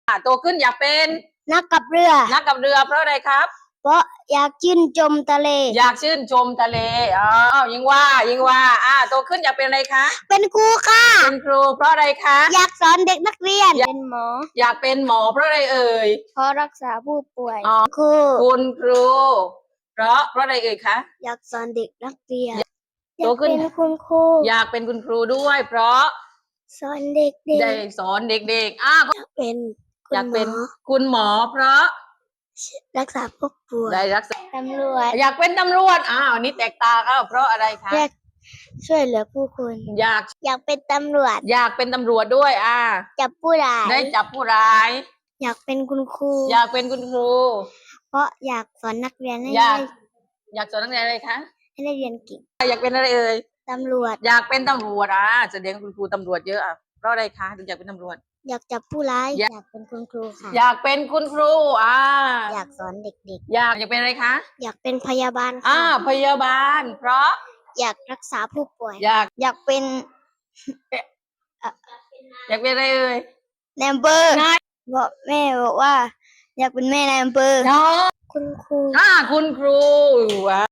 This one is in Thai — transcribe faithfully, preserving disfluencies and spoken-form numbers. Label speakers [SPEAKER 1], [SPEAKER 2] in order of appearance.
[SPEAKER 1] อ่ะโตขึ้นอยากเป็น
[SPEAKER 2] นักกับเรือ
[SPEAKER 1] นักกับเรือเพราะอะไรครับ
[SPEAKER 2] เพราะอยากชื่นชมทะเล
[SPEAKER 1] อยากชื่นชมทะเลอ๋อยิงว่ายิงว่าอ่าโตขึ้นอยากเป็นอะไรคะ
[SPEAKER 2] เป็นครูค่ะ
[SPEAKER 1] เป็นครูเพราะอะไรคะ
[SPEAKER 2] อยากสอนเด็กนักเรียน เป็นหมอ
[SPEAKER 1] อยากเป็นหมอเพราะอะไรเอ่ย
[SPEAKER 2] เพราะรักษาผู้ป่วย
[SPEAKER 1] อ๋อ
[SPEAKER 2] ครู
[SPEAKER 1] คุณครู เพราะเพราะอะไรเอ่ยคะ
[SPEAKER 2] อยากสอนเด็กนักเรียน
[SPEAKER 1] โตขึ้น
[SPEAKER 2] อยากเป็นคุณครู
[SPEAKER 1] อยากเป็นคุณครูด้วย เพราะ
[SPEAKER 2] สอนเด็ก
[SPEAKER 1] ได้
[SPEAKER 2] ๆ
[SPEAKER 1] สอนเด็กๆอ่า
[SPEAKER 2] อยากเป็นคุ
[SPEAKER 1] อยา
[SPEAKER 2] ณ
[SPEAKER 1] ก
[SPEAKER 2] หม
[SPEAKER 1] เป็น
[SPEAKER 2] อ
[SPEAKER 1] คุณหมอเพราะ
[SPEAKER 2] รักษาผู้ป่วย
[SPEAKER 1] ได้รักษา
[SPEAKER 2] ตำรวจ
[SPEAKER 1] อยากเป็นตำรวจอ้าวนี่แตกต่างอ้าวเพราะอะไรคะ
[SPEAKER 2] อยากช่วยเหลือผู้คน
[SPEAKER 1] อยาก
[SPEAKER 2] อยากเป็นตำรวจ
[SPEAKER 1] อยากเป็นตำรวจด้วยอ่า
[SPEAKER 2] จับผู้ร้าย
[SPEAKER 1] ได้จับผู้ร้าย
[SPEAKER 2] อยากเป็นคุณครู
[SPEAKER 1] อยากเป็นคุณครู
[SPEAKER 2] เพราะอยากสอนนักเรียนให้
[SPEAKER 1] อยาก
[SPEAKER 2] ได้
[SPEAKER 1] อยากสอนนักเรียนอะไรคะ
[SPEAKER 2] ให้ได้เรียนเก่ง
[SPEAKER 1] อยากเป็นอะไรเอ่ย
[SPEAKER 2] ตำรวจ
[SPEAKER 1] อยากเป็นตำรวจอ่ะแสดงคุณครูตำรวจเยอะอ่ะเพราะอะไรคะถึงอยากเป็นตำรวจ
[SPEAKER 2] อยากจับผู้ร้าย
[SPEAKER 1] อยาก
[SPEAKER 2] อยากเป็นคุณครูค่ะ
[SPEAKER 1] อยากเป็นคุณครูอ่า
[SPEAKER 2] อยากสอนเด็ก
[SPEAKER 1] อยากอยากเป็นอะไรคะ
[SPEAKER 2] ๆ อยากเป็นพยาบาล
[SPEAKER 1] อ่า
[SPEAKER 2] ค่ะ
[SPEAKER 1] พยาบาล เพราะ
[SPEAKER 2] อยากรักษาผู้ป่วย
[SPEAKER 1] อยาก
[SPEAKER 2] อยากเป็น
[SPEAKER 1] อยากเป็นอะไรเอ่ย
[SPEAKER 2] นายอำเภอบอกแม่บอกว่า อยากเป็นแม่นายอำเภอ
[SPEAKER 1] เนาะ
[SPEAKER 2] คุณครู
[SPEAKER 1] อ่าคุณครูอ่ะ